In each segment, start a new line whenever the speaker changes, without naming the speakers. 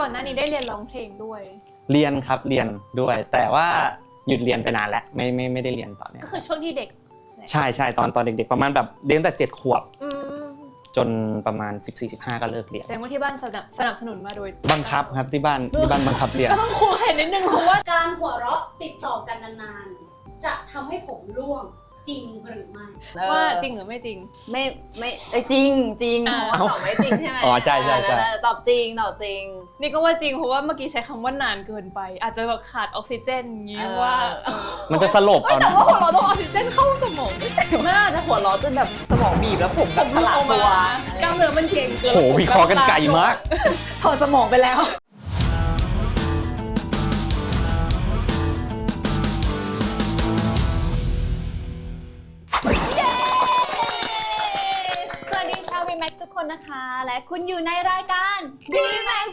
ก่อนหน้านี้ได้เรียนร้องเพลงด้วย
เรียนครับเรียนด้วยแต่ว่าหยุดเรียนไปนานแล้วไม่ได้เรียนตอนนี้
ก็คือช่วงที่เด็ก
ใช่ตอนเด็กๆประมาณแบบเรียนแต่7 ขวบจนประมาณ14-15ก็เลิกเรียน
แสดงว่าที่บ้านสนับสนุนมาโดย
บังคับครับที่บ้านบังคับเรียน
ก็ต้องคุยนิดนึงเพราะว่า
การหัวเราะติดต่อกันนานๆจะทำให้ผมร่วงจริงหรือไม่
ว่าจริงหรือไม่จริง
ไม่จริงเพราะว่าตอบไม่จริงใช่ไหม
อ๋อใช่
ตอบจริง
นี่ก็ว่าจริงเพราะว่าเมื่อกี้ใช้คำว่านานเกินไปอาจจะแบบขาดออกซิเจนอย่างนี้ว่า
มันจะสลบเอา
นะแต่ว่าเราต้องออกซิเจนเข้าสมอง
น่าจะหัวเราะจนแบบสมองบีบแล้วผมแบบสลายตัว
กล้ามเนื้อมันเก่งเกิน
โหวิเคราะห์กันไกลมาก
ถอดสมองไปแล้วทุกคนนะคะและคุณอยู่ในรายการ
B-Max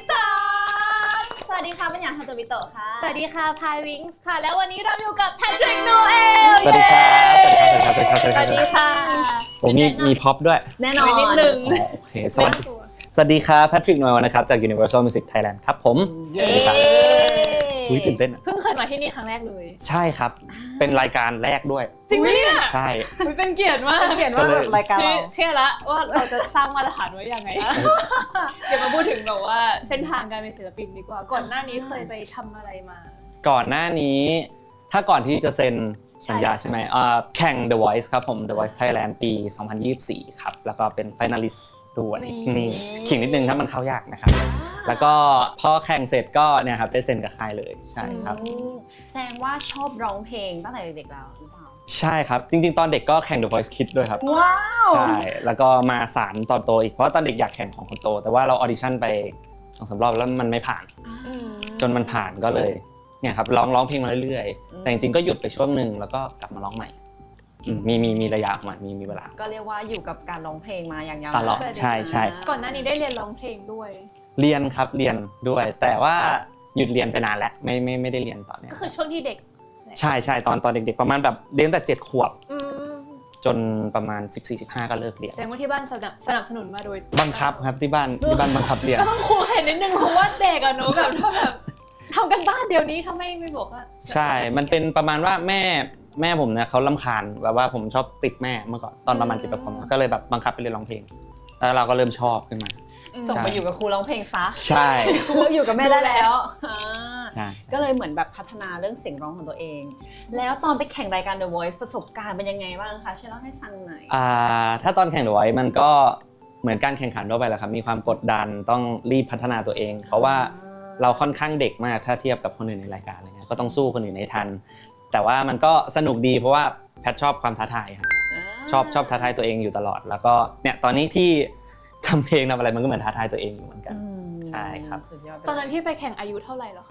Talk
สวัสดีค่ะเป็นอย่างฮันโตบิโตะค่ะ
สวัสดีค่ะพายวิงส์ค่ะแล้ววันนี้เราอยู่กับแพทริกโนเอล
สวัสดีครับส
วัสดีค่ะ
ผมมีพ็อปด้วย
แน่นอน
นิดนึง
โอเคสวัสดีครับแพทริกโนเอลนะครับจาก Universal Music Thailand ครับผม
เย้
ตื่นเต้น
เพิ่งเคยมาที่นี่ครั้งแรกเลย
ใช่ครับเป็นรายการแรกด้วย
จริงไหมเนี่ย
ใช่
เป็นเกียรติมาก
รายการเรา
เครียดละว่าเราจะสร้างมาตรฐานไว้ยังไงเดี๋ยวมาพูดถึงแบบว่าเส้นทางการเป็นศิลปินดีกว่าก่อนหน้านี้เคยไปทำอะไรมา
ก่อนหน้านี้ถ้าก่อนที่จะเซ็นสัญญาใช่ไหมแข่ง The Voice ครับผม The Voice Thailand ปี 2024 ครับแล้วก็เป็น finalist ด้วยนี่ขิงนิดนึงถ้ามันเข้ายากนะครับแล้วก็พอแข่งเสร็จก็เนี่ยครับได้เซ็นกับค่ายเลยใช่ครับ
แสดงว่าชอบร้องเพลงตั้งแต่เด็กๆแล้วหรือเปล่า
ใช่ครับจริงๆตอนเด็กก็แข่ง The Voice Kids ด้วยครับ
ว้าว
ใช่แล้วก็มาสานตอนโตอีกเพราะว่าตอนเด็กอยากแข่งของคนโตแต่ว่าเราออดิชั่นไป 2-3 รอบแล้วมันไม่ผ่านจนมันผ่านก็เลยเนี่ยครับร้องเพลงมาเรื่อยๆแต่จริงๆก็หยุดไปช่วงนึงแล้วก็กลับมาร้องใหม่มีระยะของมันมีเวลา
ก็เรียกว่าอยู่กับการร้องเพลงมาอย่างยาวนาน
ตลอดใช่
ก่อนหน้านี้ได้เรียนร้องเพลงด้วย
เรียนครับเรียนด้วยแต่ว่าหยุดเรียนไปนานแล้วไม่ได้เรียนตอนนี้
ก็คือช่วงที่เด็ก
ใช่ตอนเด็กๆประมาณแบบเรียนแต่7 ขวบจนประมาณ14-15ก็เลิกเรียน
แสดงว่าที่บ้านสนับสนุนมาโดย
บังคับครับที่บ้านบังคับเรียน
ก็ต้องคุยนิดนึงเพราะว่าเด็กอะเนอะแบบถ้าแบบทำกันบ้านเดี๋ยวนี้ถ้าไม่บอกว่า
ใช่มันเป็นประมาณว่าแม่ผมเนี่ยเขารำคาญแบบว่าผมชอบติดแม่เมื่อก่อนตอนประมาณ7 ขวบก็เลยแบบบังคับไปเรียนร้องเพลงแล้วเราก็เริ่มชอบขึ้นมา
ส่งไปอยู่กับครูร้องเพลงซะ
ใช่
ครูอยู่กับแม่ได้แล้ว
ใช่
ก็เลยเหมือนแบบพัฒนาเรื่องเสียงร้องของตัวเองแล้วตอนไปแข่งรายการ The Voice ประสบการณ์เป็นยังไงบ้างคะช่วยเล่าให้ฟังหน่อย
ถ้าตอนแข่ง The Voice มันก็เหมือนการแข่งขันทั่วไปแหละครับมีความกดดันต้องรีบพัฒนาตัวเองเพราะว่าเราค่อนข้างเด็กมากถ้าเทียบกับคนอื่นในรายการอะไรเงี้ยก็ต้องสู้คนอื่นให้ทันแต่ว่ามันก็สนุกดีเพราะว่าแพทชอบความท้าทายครับชอบท้าทายตัวเองอยู่ตลอดแล้วก็เนี่ยตอนนี้ที่ทำเพลงทำอะไรมันก็เหมือนท้าทายตัวเองอยู่เหมือนกันใช่ครับ
ตอนนั้นที่ไปแข่งอายุเท่าไหร่หรอคะ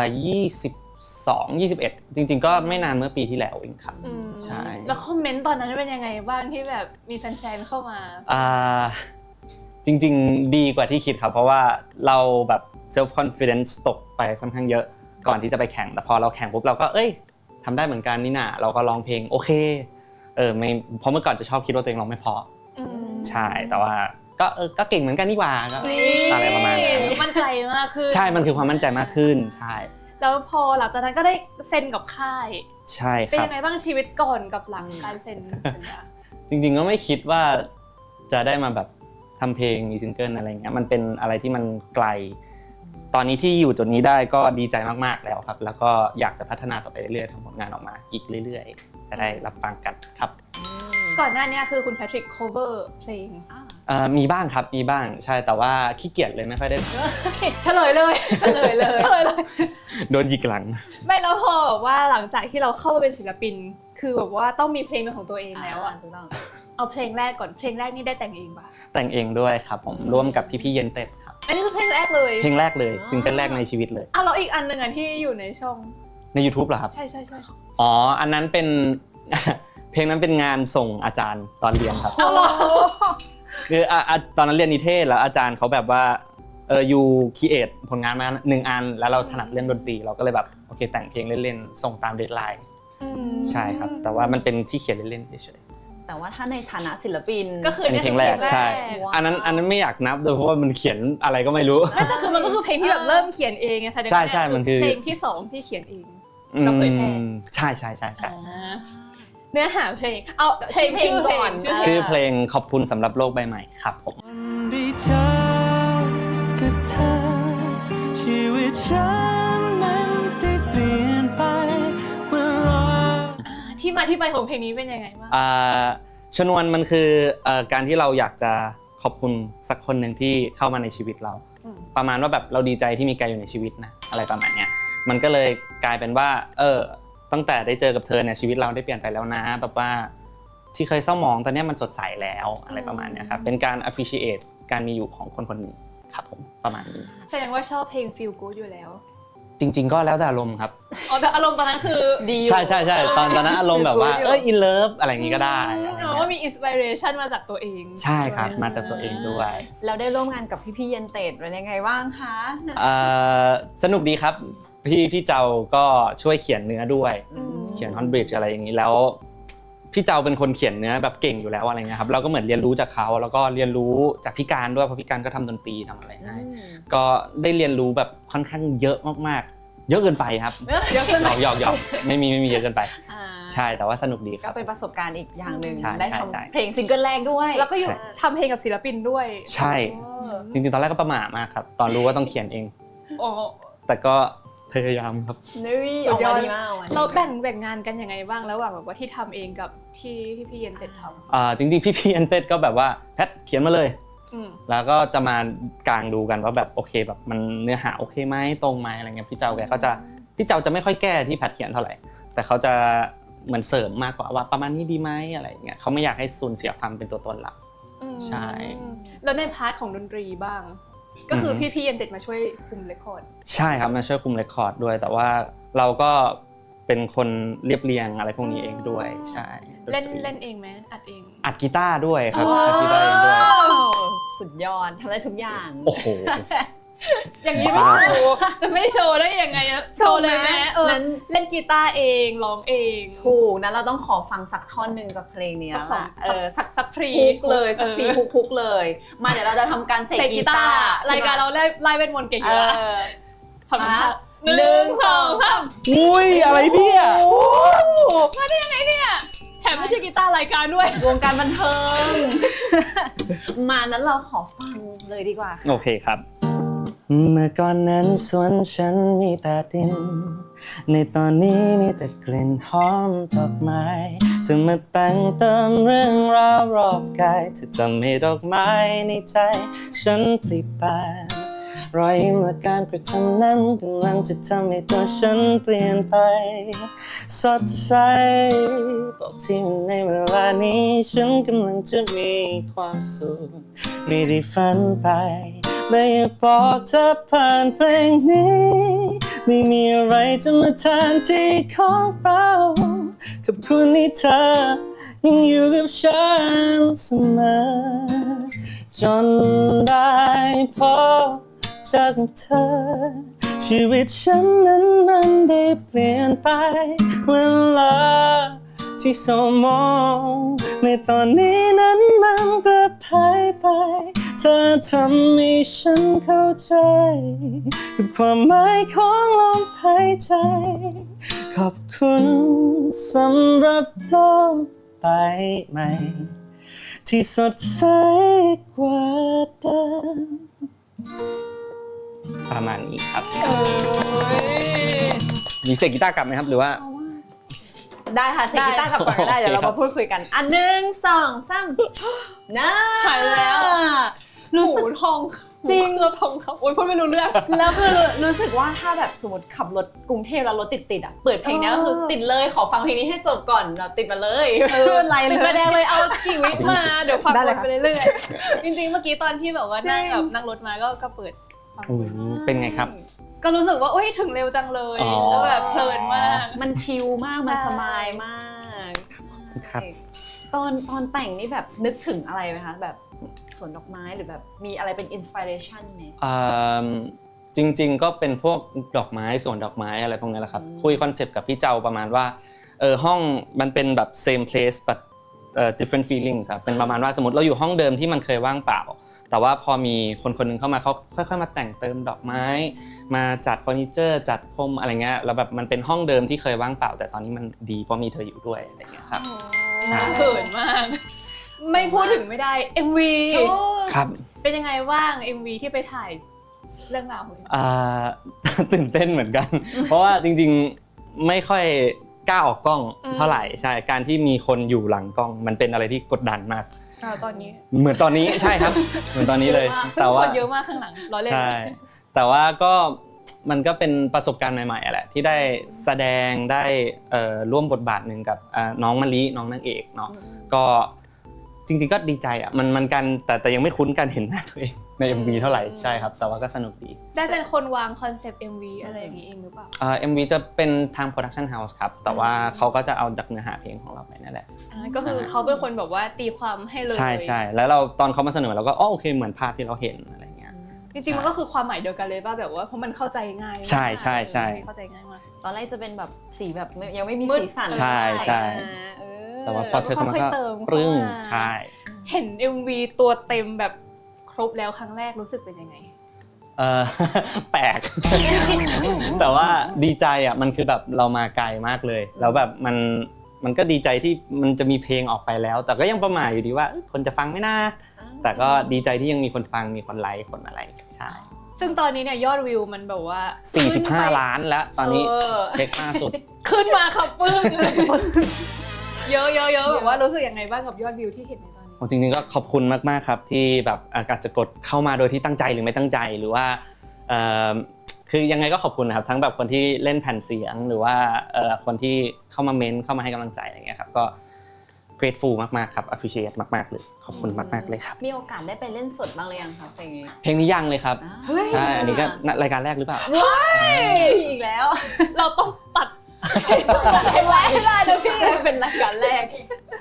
22-21จริงๆก็ไม่นานเมื่อปีที่แล้วเองครับใช่
แล้วคอมเมนต์ตอนนั้นเป็นยังไงบ้างที่แบบมีแฟนๆเข้ามา
จริงๆดีกว่าที่คิดครับเพราะว่าเราแบบ self confidence ตกไปค่อนข้างเยอะก่อนที่จะไปแข่งแต่พอเราแข่งปุ๊บเราก็ทำได้เหมือนกันนี่นะเราก็ร้องเพลงโอเคไม่เพราะเมื่อก่อนจะชอบคิดว่าตัวเองร้องไม่พอใช่แต่ว่าก็เก่งเหมือนกันนี่หว่าก็อะไรประมาณนั้น
มั่นใจมากขึ้น
ใช่มันคือความมั่นใจมากขึ้นใช่
แล้วพอหลังจากนั้นก็ได้เซ็นกับค่าย
ใช่ครับ
เป็นยังไงบ้างชีวิตก่อนกับหลังการเซ็นสัญญา
จริงๆก็ไม่คิดว่าจะได้มาแบบทำเพลงมีซิงเกิลอะไรเงี้ยมันเป็นอะไรที่มันไกลตอนนี้ที่อยู่จุดนี้ได้ก็ดีใจมากๆแล้วครับแล้วก็อยากจะพัฒนาต่อไปเรื่อยๆทำผลงานออกมาอีกเรื่อยๆจะได้รับฟังกันครับ
ก่อนหน้านี้คือคุณแพทริก cover เพลง
มีบ้างครับมีบ้างใช่แต่ว่าขี้เกียจเลยไม่ค่อยได้
เฉลยเลย
โดนหยิกหลัง
ไม่แล้วพอแบบว่าหลังจากที่เราเข้ามาเป็นศิลปินคือแบบว่าต้องมีเพลงเป็นของตัวเองแล้วอ่ะเอาเพลงแรกก่อนเพลงแรกนี่ได้แต่งเองป่ะ
แต่งเองด้วยครับผมร่วมกับพี่ๆเย็นเต็ดครับ
อันนี้คือเพลงแรกเลย
เพลงแรกเลยซิงเกิลแรกในชีวิตเลย
แล้วอีกอันนึงที่อยู่ในช่อง
ใน YouTube เหรอครับ
ใช่
อ๋ออันนั้นเป็นเพลงนั้นเป็นงานส่งอาจารย์ตอนเรียนครับคือตอนนั้นเรียนนิเทศแล้วอาจารย์เขาแบบว่าyou create ผลงานมา1 อันแล้วเราถนัดเรื่องดนตรีเราก็เลยแบบโอเคแต่งเพลงเล่นๆส่งตามเดดไลน์ใช่ครับแต่ว่ามันเป็นที่เขียนเล่นๆเฉย
แต่ว่าถ้าในฐานะศิลปิน
ก็คือ
อันนี้เพลงแรกใช่
ว้าว
อันนั้นไม่อยากนับเลยเพราะว่ามันเขียนอะไรก็ไม่รู้
แต่คือมันก็คือเพลงที่แบบเริ่มเขียนเองไงแสดงว่า
ใช่มันคือ
เพลงที่2ที่เขียนเองเราเผยแพร่
ใช่
เนื้อหาเพลงเอาเพลง
ชื่อเพลงก่อน
ชื่อเพลงขอบคุณสำหรับโลกใบใหม่ครับผม
ได้เจอกับเธอชีวิตฉันนั้นได้เปลี่ยนไปเมื่อรอ
ที่มาที่ไปของเพลงนี้เป็นยังไงบ้าง
ชนวนมันคือการที่เราอยากจะขอบคุณสักคนหนึ่งที่เข้ามาในชีวิตเรา ประมาณว่าแบบเราดีใจที่มีแกอยู่ในชีวิตนะอะไรประมาณเนี้ยมันก็เลยกลายเป็นว่าตั้งแต่ได้เจอกับเธอเนี่ยชีวิตเราได้เปลี่ยนไปแล้วนะแบบว่าที่เคยเศร้าหมองตอนนี้มันสดใสแล้วอะไรประมาณเนี้ยครับเป็นการ appreciate การมีอยู่ของคนคนหนึ่งครับผมประมาณนี้
แสดงว่าชอบเพลง Feel Good อยู่แล้ว
จริงๆก็แล้วแต่อารมณ์ครับ
อ๋อแต่อารมณ์ตอนนั้นคือ
ดี
ใช่ตอนนั้นอารมณ์แบบว่าin love อะไรอย่างงี้ก็ได้อะไร
อ๋อ
เงี้
ว่าย มีอินสปิเรชันมาจากตัวเอง
ใช่ครับมาจากตัวเองด้วย
แล้วได้ร่วมงานกับพี่เย็นเตดเป็นยังไงบ้างคะ
สนุกดีครับพี่เจ้าก็ช่วยเขียนเนื้อด้วย
อืม
เขียนฮอนบริดจ์อะไรอย่างนี้แล้วพี่เจ้าเป็นคนเขียนเนื้อแบบเก่งอยู่แล้วอะไรเงี้ยครับเราก็เหมือนเรียนรู้จากเขาแล้วก็เรียนรู้จากพี่การด้วยเพราะพี่การก็ทำดนตรีทำอะไรให้ก็ได้เรียนรู้แบบค่อนข้างเยอะมากๆเยอะเกินไปครับ
เยอะขึ้นไหม
หยอกไม่มีเยอะเกินไป
อ่า
ใช่แต่ว่าสนุกดีค
ก็
รับ
เป็นประสบการณ์อีกอย่างหนึ่ง
ใช่
ได้
ใช่
ทำ
ใช่
เพลงซิงเกิลแรกด้วย
แล้วก็อยู่
ใช่
ทำเพลงกับศิลปินด้วย
ใช่จริงๆตอนแรกก็ประหม่ามากครับตอนรู้ว่าต้องเขียนเอง
อ๋อ
แต่ก็พยายามครับ
นี่ออกมาดีมากออกมาดี
เราแบ่งงานกันยังไงบ้างระหว่างแบบว่าที่ทำเองกับที่พี่เย็นเต็ดท
จริงๆพี่อันเต็ดก็แบบว่าแพทเขียนมาเลย
ำ
แล้วก็จะมากางดูกันว่าแบบโอเคแบบมันเนื้อหาโอเคไหมตรงไหมอะไรเงี้ยพี่เจ้าแกก็จะพี่เจ้าจะไม่ค่อยแก้ที่แพทเขียนเท่าไหร่แต่เขาจะเหมือนเสริมมากกว่าว่าประมาณนี้ดีไหมอะไรเงี้ยเขาไม่อยากให้สูญเสียความเป็นตัวตนเรา ใช่
แล้วในพาร์ทของดนตรีบ้าง ก็คือพี่เย็นเต็ดมาช่วยคุมเรคคอร์ด
ใช่ครับมาช่วยคุมเรคคอร์ดด้วยแต่ว่าเราก็เป็นคนเรียบเรียงอะไรพวกนี้เองด้วยใช่
เล่นเองไหมอัดเอง
อัดกีตาร์ด้วยครับอัดกีตาร์เองด้วย
สุดยอดทำได้ทุกอย่าง
โอ้โห
อย่างนี้ไม่โชว์จะไม่โชว์ได้ยังไงอะโชว์เลยไหมนั้นเล่นกีตาร์เองร้องเอง
ถูกนะเราต้องขอฟังสักท่อนหนึ่งจากเพลงนี้
สักสอง
สัก
พรี
คุกเลยสักพรีคุกเลย มาเดี๋ยวเราจะทำการเสก
เสก
กี
กี
ตา
ตา
ร์
ร์รายการเราไล่เวทมนต์เก่งอยู่แล้วทำ
อ่ะ
ท่า1 2 3
อุ้ยอะไรเนี่ย
มาได้ยังไงเนี่ยแถมไม่ใช่กีตาร์รายการด้วย
วงการบันเทิง มานั้นเราขอฟังเลยดีกว่าค่ะ
โอเคครับเมื่อก่อนนั้นสวนฉันมีแต่ดินในตอนนี้มีแต่กลิ่นหอมดอกไม้เธอมาแต่งเติมเรื่องราวรอบกายเธอทำให้ดอกไม้ในใจฉันพลิบานรอยยิ้มและการกระทำนั้นกำลังจะทำให้ตัวฉันเปลี่ยนไปสดใสบอกที่ในเวลานี้ฉันกำลังจะมีความสุขไม่ได้ฝันไปและอยากบอกเธอผ่านเพลงนี้ไม่มีอะไรจะมาแทนที่ของเราขอบคุณที่เธอยังอยู่กับฉันเสมอจนได้พบเจอกับเธอชีวิตฉันนั้นมันได้เปลี่ยนไปเวลาที่เศร้ามองในตอนนี้นั้นมันกลับหายไปเธอทำให้ฉันเข้าใจกับความหมายของลมหายใจขอบคุณสำหรับโลกใบใหม่ที่สดใสกว่าเดิมประมาณนี้ครับมีเสียงกีตาร์กลับไหมครับหรือว่า
ได้ค่ะเสกกีตาร์กลับก่อนก็ได้
โอเค
เดี๋ยวเรามาพูดคุยกันอันหนึ่งสองสามนะ
หายแล้ว
รู้สึก
หูทอง
จริง
เราทองเขาโอ๊ยพูดไม่รู้เรื่อง
แล้วคือรู้สึกว่าถ้าแบบสมมติขับรถกรุงเทพแล้วรถติดอ่ะเปิดเพลงนี้ก็คือติดเลยขอฟังเพลงนี้ให้จบก่อนเราติดมาเลยไม่เป็นไรเล
ติดไฟแดง
ย
เลยเอากี่วิมาเดี๋ยวฟัง
ได้เลย
วน
ค่ะ
ไปเรื่อยๆจริงๆเมื่อกี้ตอนที่แบบว่านั่ง
จริง
แบบนั่งรถมาก็เปิดฟัง
เป็นไงครับ
ก็รู้สึกว่าอุ้ยถึงเร็วจังเลย
อ๋อ
แล้วแบบเพลินมาก
มันชิลมากมัน
ใช่
สบายมาก
ครับ
ตอนแต่งนี่แบบนึกถึงอะไรไหมคะแบบสวนดอกไม้หรือแบบมีอะไรเป็นอินสปิเรชันไหม
จริงๆก็เป็นพวกดอกไม้สวนดอกไม้อะไรพวกนี้แหละครับคุยคอนเซปต์กับพี่เจ้าประมาณว่าห้องมันเป็นแบบ same place but different feelings ครับเป็นประมาณว่าสมมติเราอยู่ห้องเดิมที่มันเคยว่างเปล่าแต่ว่าพอมีคนคนนึงเข้ามาเขาค่อยๆมาแต่งเติมดอกไม้มาจัดเฟอร์นิเจอร์จัดพรมอะไรเงี้ยแล้วแบบมันเป็นห้องเดิมที่เคยว่างเปล่าแต่ตอนนี้มันดีเพราะมีเธออยู่ด้วยอะไรเงี้ยครับใช่
เขินมาก ไม่พูดถึงไม่ได้ MV
ครับ
เป็นยังไงบ้าง MV ที่ไปถ่ายเรื่องราวของ
ตื่นเต้นเหมือนกัน เพราะว่าจริงๆไม่ค่อยกล้าออกกล้องเท่าไหร่ใช่การที่มีคนอยู่หลังกล้องมันเป็นอะไรที่กดดันมาก
ตอนนี้
เหมือนตอนนี้ใช่ครับเหมือนตอนนี้เลย
แต่ว่าคนเยอะมากข้างหลังล้อเล่น
ใช่แต่ว่าก็มันก็เป็นประสบการณ์ใหม่ๆแหละที่ได้แสดงได้ร่วมบทบาทหนึ่งกับน้องมะลิน้องนางเอกเนาะก็จริงๆก็ดีใจอ่ะมันกันแต่ยังไม่คุ้นกันเห็นหน้าตัวเองใน MV เท่าไหร่ใช่ครับแต่ว่าก็สนุกดี
ได้เป็นคนวางคอนเซปต์ MV อะไรอย่างนี้เองหรือเปล่า
MV จะเป็นทาง Production House ครับแต่ว่าเขาก็จะเอาจากเนื้อหาเพลงของเราไปนั่นแหละ
ก็คือเขาเป็นคนแบบว่าตีความให้เลย
ใช่แล้วเราตอนเขามาเสนอเราก็โอเคเหมือนภาพที่เราเห็นอะไรเงี้ย
จริงๆมันก็คือความหมายเดียวกันเลยป่ะแบบว่าเพราะมันเข้าใจง่าย
ใช่
เข้าใจง่ายมาก
ตอนแรกจะเป็นแบบสีแบบยังไม่มีสีสัน
ใช่แต่ว่าพอเธอเข้ามาก็ปรึ้งใช่
เห็น MV ตัวเต็มแบบครบแล้วครั้งแรกรู้สึกเป็นยังไง
แปลก แต่ว่าดีใจอ่ะมันคือแบบเรามาไกลมากเลยแล้วแบบมันก็ดีใจที่มันจะมีเพลงออกไปแล้วแต่ก็ยังประหม่าอยู่ดีว่าคนจะฟังไหมนะแต่ก็ดีใจที่ยังมีคนฟังมีคนไลค์คนอะไรใช่
ซึ่งตอนนี้เนี่ยยอดวิวมันแบบว่า
45 ล้านแล้วตอนนี้เช็คล่าสุด
ขึ้นมาครับปึ้งเยอะแบบว่ารู้สึกยังไงบ้างกับยอดวิวที่เห็นในตอนนี้
จริงๆก็ขอบคุณมากๆครับที่แบบอาจจะกดเข้ามาโดยที่ตั้งใจหรือไม่ตั้งใจหรือว่าคือยังไงก็ขอบคุณนะครับทั้งแบบคนที่เล่นแผ่นเสียงหรือว่าคนที่เข้ามาเม้นเข้ามาให้กำลังใจอะไรเงี้ยครับก็ grateful มากๆครับ appreciate มากๆเลยขอบคุณมากๆเลยครับ
มีโอกาสได้ไปเล่นสดบ้างหรือยังครับเพลง
นี้ยังเลยครับใช่อันนี้ก็รายการแรกหรือเปล่า
อีกแล้ว
เราต้องตัด
ให้ไว้ได้นะพี่เป็นรายการแรก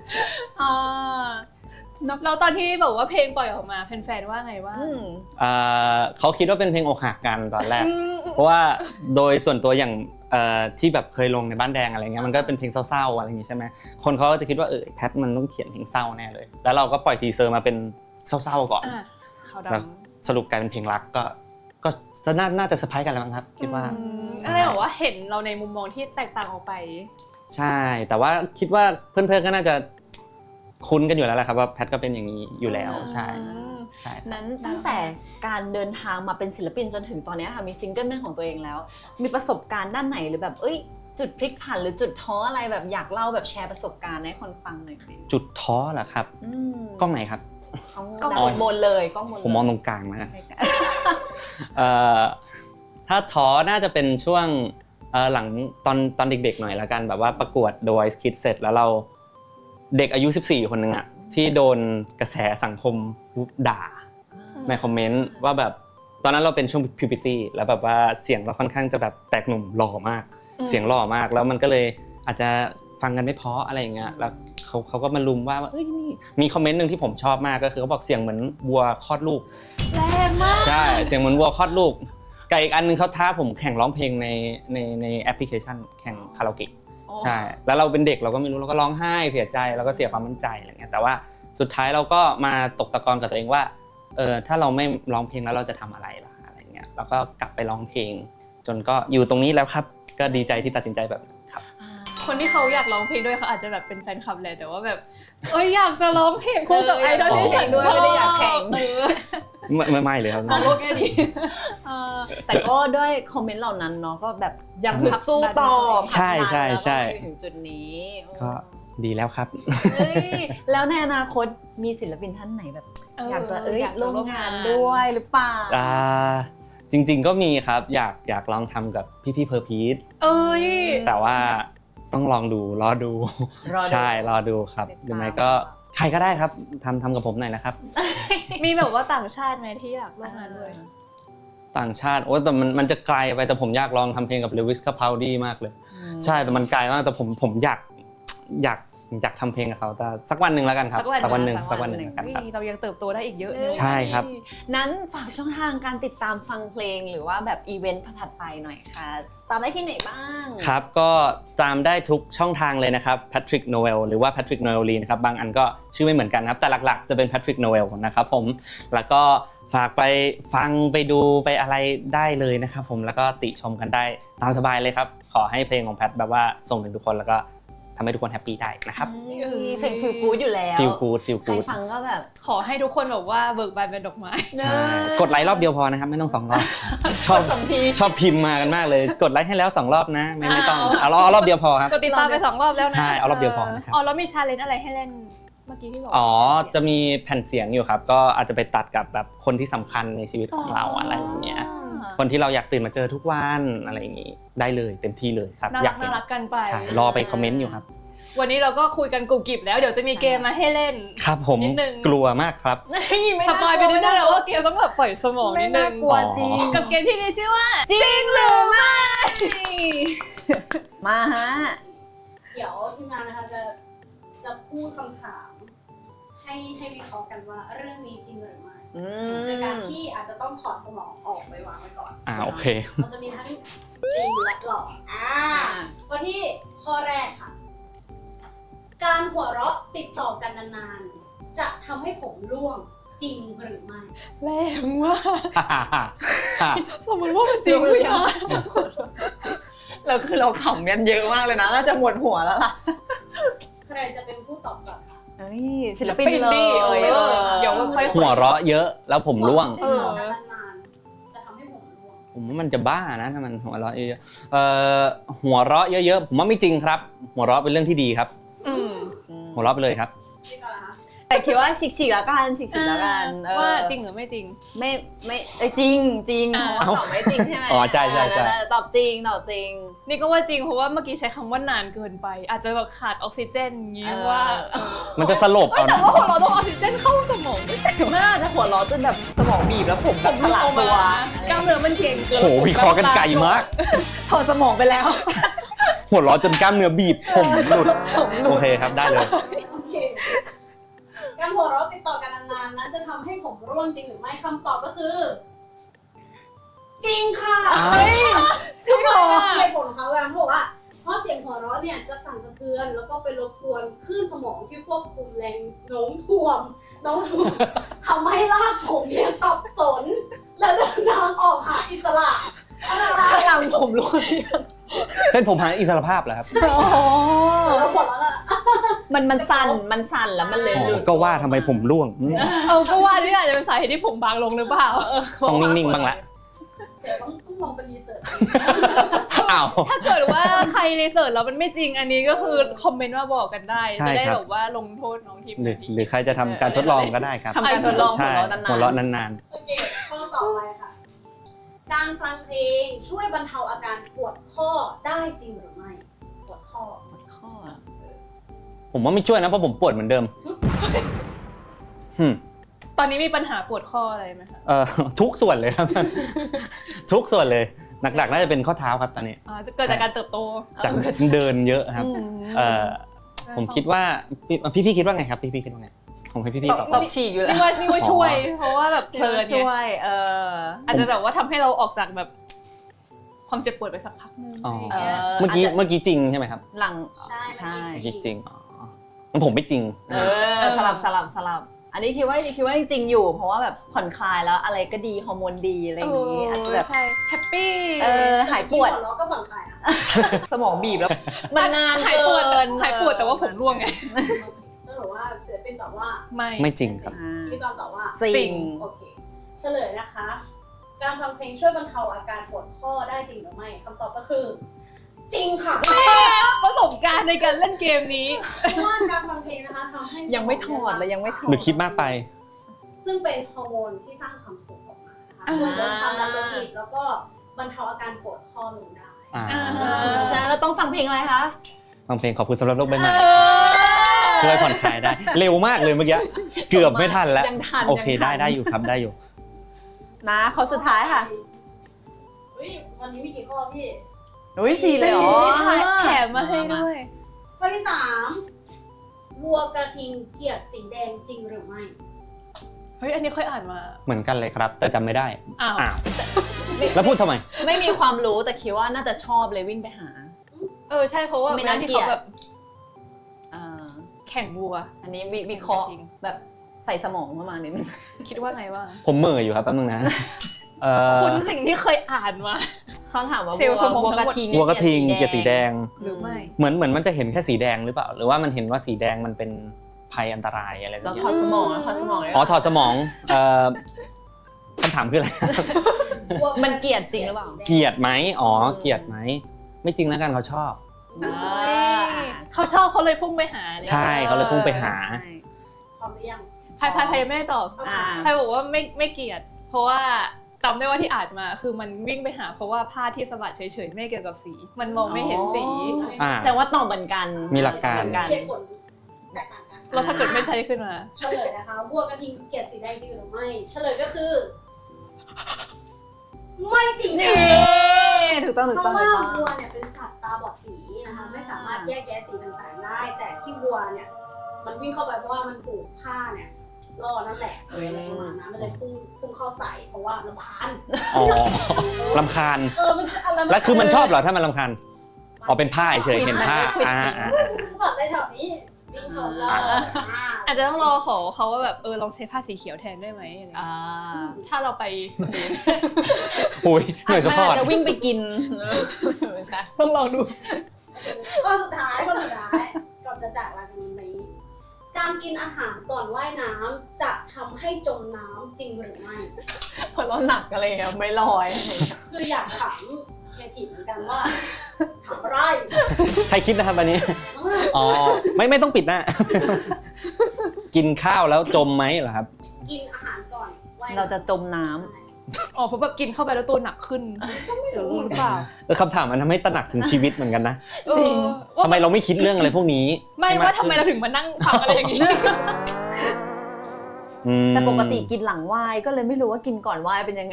เราตอนที่บอกว่าเพลงปล่อยออกมาแฟนๆว่าไงว่า
เขาคิดว่าเป็นเพลงอกหักกันตอนแรกเพราะว่าโดยส่วนตัวอย่างที่แบบเคยลงในบ้านแดงอะไรเงี้ยมันก็เป็นเพลงเศร้าๆอะไรอย่างงี้ใช่ไหมคนเขาก็จะคิดว่าแพทมันต้องเขียนเพลงเศร้าแน่เลยแล้วเราก็ปล่อยทีเซอร์มาเป็นเศร้าๆก่อนสรุปกลายเป็นเพลงรักก็น่าจะเซอร์ไพรส์กันแล้วมั้งครับคิดว่า
อะไรบอกว่าเห็นเราในมุมมองที่แตกต่างออกไป
ใช่แต่ว่าคิดว่าเพื่อนๆก็น่าจะคุ้นกันอยู่แล้วแหละครับว่าแพทก็เป็นอย่างนี้อยู่แล้วใช่
นั้นตั้งแต่การเดินทางมาเป็นศิลปินจนถึงตอนนี้ค่ะมีซิงเกิลเป็นของตัวเองแล้วมีประสบการณ์ด้านไหนหรือแบบจุดพลิกผันหรือจุดท้ออะไรแบบอยากเล่าแบบแชร์ประสบการณ์ให้คนฟังหน่อย
จุดท้อเหรอครับกล้องไหนครับ
กล้องบนเลยกล้องบน
ผมมองตรงกลางนะถ้าท้อน่าจะเป็นช่วงหลังตอนเด็กๆหน่อยละกันแบบว่าประกวด The Voice Kids เสร็จแล้วเราเด็กอายุ14คนนึงอ่ะที่โดนกระแสสังคมด่าในคอมเมนต์ว่าแบบตอนนั้นเราเป็นช่วง puberty แล้วแบบว่าเสียงเราค่อนข้างจะแบบแตกหนุ่มหล่อมากเสียงหล่อมากแล้วมันก็เลยอาจจะฟังกันไม่เพราะอะไรอย่างเงี้ยแล้วเขาก็มาลุมว่านี่มีคอมเมนต์นึงที่ผมชอบมากก็คือเขาบอกเสียงเหมือนวัวคลอดลูก
แรงมาก
ใช่เสียงเหมือนวัวคลอดลูกกับอีกอันนึงเขาท้าผมแข่งร้องเพลงในแอปพลิเคชันแข่งคาราโอเกะใช่แล้วเราเป็นเด็กเราก็ไม่รู้เราก็ร้องไห้เสียใจแล้วก็เสียความมั่นใจอะไรเงี้ยแต่ว่าสุดท้ายเราก็มาตกตะกอนกับตัวเองว่าถ้าเราไม่ร้องเพลงแล้วเราจะทำอะไรล่ะอะไรเงี้ยแล้วก็กลับไปร้องเพลงจนก็อยู่ตรงนี้แล้วครับก็ดีใจที่ตัดสินใจแบบนี้ครับ
คนที่เขาอยากร้องเพลงด้วยเขาอาจจะแบบเป็นแฟนคลับแหละแต่ว่าแบบอยากจะร้องเพลงคู่กับไอดอลที่ฉันด้วย
ไม่ได้อยากแข่ง
ไม่เลยครับ
โอเคดี
แต่ก็ด้วยคอมเมนต์เหล่านั้นเนาะก็แบบ
ยัง
สู้ต่อ
ใช่
ถึงจุดนี้
ก็ดีแล้วครับ
แล้วในอนาคตมีศิลปินท่านไหนแบบอยากจะร่วมงานด้วยหรือเปล่า
จริงๆก็มีครับอยากลองทำกับพี่เพอร์พีทแต่ว่าต้องลองดูรอดูใช่รอดูครับหรือไม่ก็ใครก็ได้ครับทำกับผมหน่อยนะครับ
มีแบบว่าต่างชาติไหมที่อยากร่วมงานด้วย
ต่างชาติแต่มันจะไกลไปแต่ผมอยากลองทำเพลงกับเลวิสคาพาวดี้มากเลยใช่แต่มันไกลมากแต่ผมอยากอยากทำเพลงกับเขาแต่สักวันหนึ่งแล้วกันครับสักวันหนึ่งแล้วกันครับ
เรายังเติบโตได้อีกเยอะ
ใช่ครับ
นั้นฝากช่องทางการติดตามฟังเพลงหรือว่าแบบอีเวนต์ถัดไปหน่อยค่ะ ตามได้ที่ไหนบ้าง
ครับก็ตามได้ทุกช่องทางเลยนะครับ Patrick Noel หรือว่า Patrick Noel Lee นะครับบางอันก็ชื่อไม่เหมือนกันครับแต่หลักๆจะเป็น Patrick Noel นะครับผมแล้วก็ฝากไปฟังไปดูไปอะไรได้เลยนะครับผมแล้วก็ติชมกันได้ตามสบายเลยครับขอให้เพลงของแพทแบบว่าส่งถึงทุกคนแล้วก็ทำให้ทุกคนแฮปปี้ได้นะครับ
เพลงฟีลกู๊ดอยู่แล้ว
feel good feel
ใคร
good
ฟังก็แบบ
ขอให้ทุกคนแบบว่าเบิกบานเป็นดอกไม้
ใช่กดไลค์รอบเดียวพอนะครับไม่ต้อง2 รอบชอบ
สองที
ชอบพิมพ์มากันมากเลยกดไลค์ให้แล้ว2 รอบนะไม่ต้องเอารอบเดียวพอครับ
กดติดตามไป2 รอบแล้วนะ
ใช่เอารอบเดียวพอนะครับ
อ๋อแล้วมีชาเลนจ์อะไรให้เล่นเมื่อกี้ที่บอก
อ๋อจะมีแผ่นเสียงอยู่ครับก็อาจจะไปตัดกับแบบคนที่สำคัญในชีวิตของเราอะไรอย่างเงี้ยคนที่เราอยากตื่นมาเจอทุกวันอะไรอย่างงี้ได้เลยเต็มที่เลยครับ
น่า
อยา
รั
ก
ก
เห็น
น่ารักกันไป
ใช่รอไปคอมเมนต์อยู่ครับ
วันนี้เราก็คุยกันกรุบกริบแล้วเดี๋ยวจะมีเกมมาให้เล่น
ครับผม
นิดนึง
กลัวมากครับ
สปอยไปนิดนึงแล้วว่าเกมต้องแบบปล่อยสมองนิดนึง
กลัวจริง
กับเกมที่มีชื่อว่า
จริงหรือไม่มาฮะ
เดี๋ยวทีมงานนะคะจะพูดคำถามให้วิเคราะห์กันว่าเรื่องนี้จริงหรือไม่ในการที่อาจจะต้องถอดสมองออกไปวางไว้ก่อน
โอเค
มันจะมีทั้งจริงและหลอกวันที่ข้อแรกค่ะ การหัวเราะติดต่อกันนานๆจะทำให้ผมร่วงจริงหรือไม่
แรงว่ากสมมติว่ามันจริงหรือยัง
แล้วคือเราขำกันเยอะมากเลยนะน่าจะหมดหัวแล้วล่ะ
ใครจะเป็นผู้ตอบก่อนคะ
เฮ้ยศิลปินเลย
เดี๋ยวค่อย
หัวเราะเยอะแล้วผมร่วง
ติดต่อกันนานๆจะทำให้ผมร่วง
ผมว่ามันจะบ้านะถ้ามันหัวเราะเยอะๆหัวเราะเยอะๆผมว่าไม่จริงครับ หัวเราะเป็นเรื่องที่ดีครับ หัวเราะไปเลยครับ
นี่ก่อนนะคะ
แต่คิดว่าฉีกๆแล้วกันฉีกๆแล้วกัน
ว่าจริงหรือไม่จริง
ไม่จริงเพราะว่าตอบไม่จริงใช่ไหม
อ๋อใช่
ตอบจริง
นี่ก็ว่าจริงเพราะว่าเมื่อกี้ใช้คำว่านานเกินไป อาจจะแบบขาดออกซิเจนอย่างงี้ว่า
มันจะสลบเอา
แต่
นะ
ว่าของเราต้องออกซิเจนเข้าสมองไม่ใช่
น่าจะหัวเราะจนแบบสมองบีบแล้วผมแบบสลับตัว
กล้ามเนื้อมันเก่งเกิน
โหวิเคราะห์กันไกลมาก
ถอดสมองไปแล้ว
หัวเราะจนกล้ามเนื้อบีบผมหลุดโอเคครับได้เลย
โอเคการหัวเราะติดต่อกันนานๆนั้นจะทำให้ผมร่วงจริงหรือไม่คำตอบก็คือ จริงค่ะ
จริงเหรอ
เหตุผลของเขาเขาบอกว่าเพราะเสียงหัวเราะเนี่ยจะสั่นสะเทือนแล้วก็ไปรบกวนคลื่นสมองที่ควบคุมแรงโน้มถ่วงทำให้รากผมเนี่ยสับสน และเดินทางออกหาอิสระอะไร
ข้างหลังผมรู้
เส้นผมหาอิสรภาพเหรอครับ
แล้วหมดแล้วล่ะ
มันสั่นแล้วมันเลยหลุด
ก็ว่าทำไมผมร่วง
ก็ว่านี่อาจจะเป็นสาเหตุที่ผมบางลงหรือเปล่า
ต้องนิ่งๆบ้างละ
เดี๋ยวต้องลองไปรีเสิร์ช
อ้าว
ถ้าเกิดว่าใครรีเสิร์ชแล้วมันไม่จริงอันนี้ก็คือคอมเมนต์มาบอกกันได้
ใช่
จะได้
ครับ
แบบว่าลงโทษน้องทีม
หรือใครจะทำการทดลองก็ได้ครับ
ทำการทดลอง
ใช่
หัวเราะนาน
หัวเราะนาน
โอเคข้อต่อไปค่ะ การฟังเพลงช่วยบรรเทาอาการปวดข้อได้จริงหรือไม่ปวดข้อ
ๆข้อ
ๆผมว่าไม่ช่วยนะเพราะผมปวดเหมือนเดิม
ตอนนี้มีปัญหาปวดข้ออะไรไหมคะ
ทุกส่วนเลยครับ ทุกส่วนเลยหนักๆน่าจะเป็นข้อเท้าครับตอนนี้
เกิดจากการเติบโต
จากเดินเยอะครับผมคิดว่าพี่คิดว่าไงครับพี่คิดว่าไงผมให้พี่ตอบ
ตอบฉีกอยู่แล้ว
นี่ว่าช่วย เพราะว่าแบบเพลินไง
ช่วย
อาจจะแบบว่าทำให้เราออกจากแบบความเจ็บปวดไปสักพักนึงอะไรอย่างเงี้ย
เมื่อกี้จริงใช่ไหมครับ
หลัง
ใช่
เมื่อกี้จริงงั้นผมไม่จริง
สลับอันนี้คิดว่าจริงๆอยู่ เพราะว่าแบบผ่อนคลายแล้วอะไรก็ดีฮอร์โมนดีอะไรอย่างนี้อาจจะแบบ
ใช่แฮปปี้
หายปวด
หัวเราะก็ผ่อนคลายนะ
สมองบีบแล้วมันนาน
หายปวด
เกิน
หายปวดแต่ว่าผมร่วงไง
สรุปว่าศิลปินตอบว่า
ไม่จริงครับ
พิธีกรตอบว่า
จริง
โอเคเฉลยนะคะ การฟังเพลงช่วยบรรเทาอาการปวดข้อได้จริงหรือไม่คำตอบก็คือ จริงค่ะ
ประสบการณ์ในการเล่นเกมนี้
เพราะว่าการฟังเพลงนะคะทำให้
ยังไม่ถอดเลยยังไม่ถอ
หรือคิดมากไป
ซึ่งเป็นฮอร์โมนที่สร้างความสุขออกมานะคะช่วยลดความดันโลหิตแล้วก็บรรเทาอาการปวดข้อลงได้
ใช่แล้วต้องฟังเพลงอะไรคะ
ฟังเพลงขอบคุณสำหรับโลกใบใหม่ช่วยผ่อนคลายได้ เร็วมากเลยเมื่อกี้เกือบไม่ทันแล้ว
ยังทัน
โอเคได้อยู่ครับได้อยู่
นะข้อสุดท้ายค่ะ
วันนี้มีกี่ข้อพี่
อุ้ย4เลยเหรอ
แถมมาให้ด้วย
ข้อที่ 3 วัวกระทิงเกลียดสีแดงจริงหรือไม่
เฮ้ยอันนี้ค่อยอ่านมา
เหมือนกันเลยครับ แต่จำไม่ได้
อ้าว
แล้วพูดทำไม
ไม่มีความรู้แต่คิดว่าน่าจะชอบเลยวิ่งไปหา
ใช่เพราะว่า
ไม่
เว
น่า
ลาที่
เกลีย
เขา
ด
แบบ
อ่า
แข่งวัว
อันนี้วิเคราะห์แบบใส่สมองประมาณนิดนึง
คิดว่าไงบ้าง
ผมเหม่ออยู่ครับแป๊บนึงนะ
คุณ สิ่งที่เคยอ่านมา
เขาถามว่า
เซลล์สมอง
วัว
ทั้
ก
ง
ระ
หมด
ทิง
วัวกระทิงเกลียดสีแดง
หรือไม่
เหมือนมันจะเห็นแค่สีแดงหรือเปล่า หรือว่ามันเห็นว่าสีแดงมันเป็นภัยอันตรายอะไรสั
เรา
กอ
ถอย่าง ดสมองแล้วถอดสมองเลย
อ๋อถอดสมองคำถามคืออะไร
มันเกลียดจริงหรือเปล่า
เกลียดไหมอ๋อเกลียดไหมไม่จริงแล้วกันเขาชอบ
เขาชอบเขาเลยพุ่งไปหาเนี่ย
ใช่เขาเลยพุ่งไปหา
พร้อมหรือยัง
พายไม่ได้ตอบ
อ่า
พายบอกว่าไม่เกลียด เพราะว่าจำได้ว่าที่อ่านมาคือมันวิ่งไปหาเพราะว่าผ้าที่สะบัดเฉยๆไม่เกี่ยวกับสี มันมองไม่เห็นสี
อ่า
แสดงว่าตอบเหมือนกัน
มีหลักการ
เหมือนกัน
เหตุผลแตกต่างกัน
แล้วถ้าเกิดไม่ใช่ขึ้นมา
เฉลยนะคะวัวกระทิงเกลียดสีแดงจริงหรือไม่ เฉลยก็คือ ไม่จริงค่ะ
ถูกต้องถูก
เพ
ต้อง
ราะ
ถู
ว่าก
ต้อง
วัวเนี่ยเป็นสัตว์ตาบอดสีนะคะไม่สามารถแยกแยะสีต่างๆได้ แต่ที่วัวเนี่ยมันวิ่งเข้าไปเพราะว่ามันผูกผ้าเนี่ยล่อนั่นแหละอะไรประมาณนั้นมันเลยพุ่งเข้าใส่เพราะว่ารำคาญ
อ๋อรำคาญ
มันจะอะไร
แล้วคือมันชอบเหรอถ้ามันรำคาญอ๋อเป็นผ้าเฉยๆเห็นผ้าอ่า
สะบัดได้แถวนี้วิ่งชนแล้ว
อาจจะต้องรอขอเขาว่าแบบลองใช้ผ้าสีเขียวแทนได้ไหมอะไรอย่างเงี้ยถ้าเราไป
โอ้ยหน่วยสปอร์ต
จะวิ่งไปกินใช่
ต้องลองดู
ข้อสุดท้ายก่อนจะจากลากันวันนี้การกินอาหารก่อนว่ายน้ำจะทำให้จมน้ำจริงหรือไม่
เพราะเราหนักอะไรอะไม่ลอย
คืออยากถามเครียดทีฟเหมือนกันว่าถามอะไร
ใครคิดนะครับอันนี้อ๋อไม่ต้องปิดหน้า กินข้าวแล้วจมไหมเหรอครับ
กินอาหารก่อนว่ายน้ำ
เราจะจมน้
เพราะแบบกินเข้าไปแล้วตัวหนักขึ้นหรือเปล่า
คำถามมันทำให้ตระหนักถึงชีวิตเหมือนกันนะ
จริง
ทำไมเราไม่คิดเรื่องอะไรพวกนี้
ไม่ว่าทำไมเราถึงมานั่งฟังอะไรอย่างนี้
ำแต่ปกติกินหลังว่ายก็เลยไม่รู้ว่ากินก่อนว่ายเป็นยังไง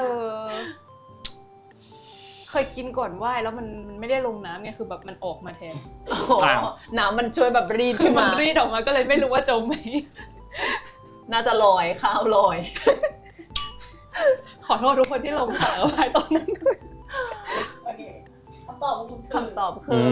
เคยกินก่อนว่ายแล้วมันไม่ได้ลงน้ำไงคือแบบมันออกมาแทน
น้ำมันช่วยแบบรีด
คื
ขึ้
อน มัน
มา
รีดออกมาก็เลยไม่รู้ว่าจมไหม
น่าจะลอยข้าวลอย
ขอโทษทุกคนที่ลงสารว่ายตอนนั้น
โอเคคำตอบของคุณคือ
คำตอบคือ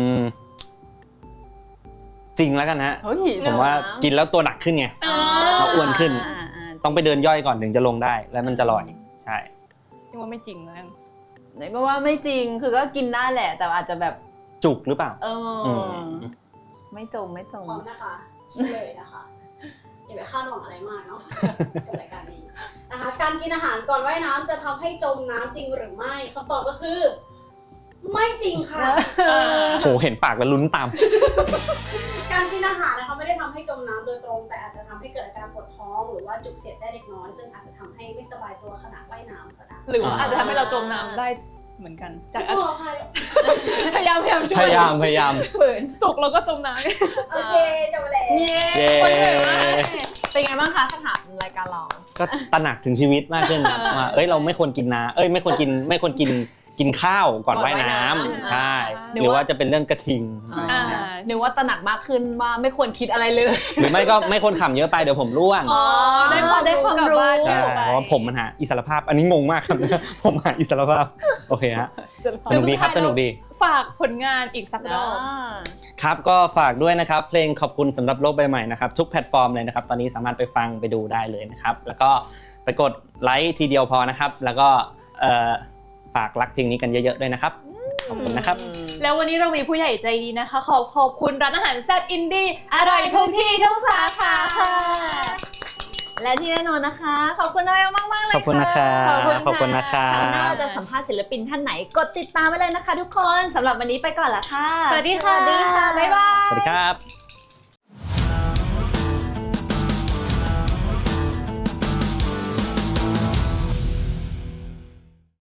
จริงแล้วกันฮะ
เฮ้ย
ผมว่ากินแล้วตัวหนักขึ้นไง เราอ้วนขึ้น ต้องไปเดินย่อยก่อนถึงจะลงได้ แล้วมันจะลอยใช่
ยังว่าไม่จริงนะ
ไหนก็ว่าไม่จริงคือก็กินได้แหละ แต่อาจจะแบบ
จุกหรือเปล่า
ไม่จม
พร้อมนะคะเฉลยนะคะอย่าไปคาดหวังอะไรมากเนาะกับรายการนี้นะคะการกินอาหารก่อนว่ายน้ำจะทำให้จมน้ำจริงหรือไม่คำตอบก็คือ ไม่จริงค่ะ
โหเห็นปากแล้วลุ้นตาม
การกินอาหารนะคะไม่ได้ทำให้จมน้ำโดยตรง แต่อาจจะทำให้เกิดอาการปวดท้องหรือว่าจุกเสียดได้เล็กน้อยซึ่งอาจจะทำให้ไม่สบายตัวขณะว่ายน้ำก็ได้
หรือว่าอาจจะทำให้เราจมน้ำได้เหมือนกันจาก
ไม่ต้องรอใคร
พยายามช่วย
พยายาม
ฝืนจุกเราก็จมน้ำ
โอเคจบไปแล้ว
เย้
เย้
เป็นไงบ้างคะคำถามรายการเรา
ก็ตระหนักถึงชีวิตมากขึ้นว่าเราไม่ควรกินน้ำไม่ควรกินข้าวก่อนว่ายน้ำใช่หรือว่าจะเป็นเรื่องกระทิง
นึกว่าตระหนักมากขึ้นว่าไม่ควรคิดอะไรเลย
หรือไม่ก็ไม่ควรขำเยอะไปเดี๋ยวผมร่วง
ได้ความรู้
ใช่เพราะว่าผมมันหาอิสรภาพอันนี้งงมากครับ ผมหาอิสรภาพโอเคฮะสนุกดีครับสนุกดี
ฝากผลงานอีกสักรอบ
ครับก็ฝากด้วยนะครับเพลงขอบคุณสำหรับโลกใบใหม่นะครับทุกแพลตฟอร์มเลยนะครับตอนนี้สามารถไปฟังไปดูได้เลยนะครับแล้วก็ไปกดไลค์ทีเดียวพอนะครับแล้วก็ฝากรักเพลงนี้กันเยอะๆด้วยนะครับขอบคุณนะครับ
แล้ววันนี้เรามีผู้ใหญ่ใจดีนะคะขอบคุณร้านอาหารแซ่บอินดี้อร่อยทุกที่ทุกสาขาค่ะ
และที่แน่นอนนะคะขอบคุณน้อยมากๆเลย
ขอบคุณนะครับ
ขอบคุณค่ะ
คราวหน้าเราจะสัมภาษณ์ศิลปินท่านไหนกดติดตามไว้เลยนะคะทุกคนสำหรับวันนี้ไปก่อนละค่ะ
สวัสดีค่ะ
บ๊ายบาย
สวัสดีครับ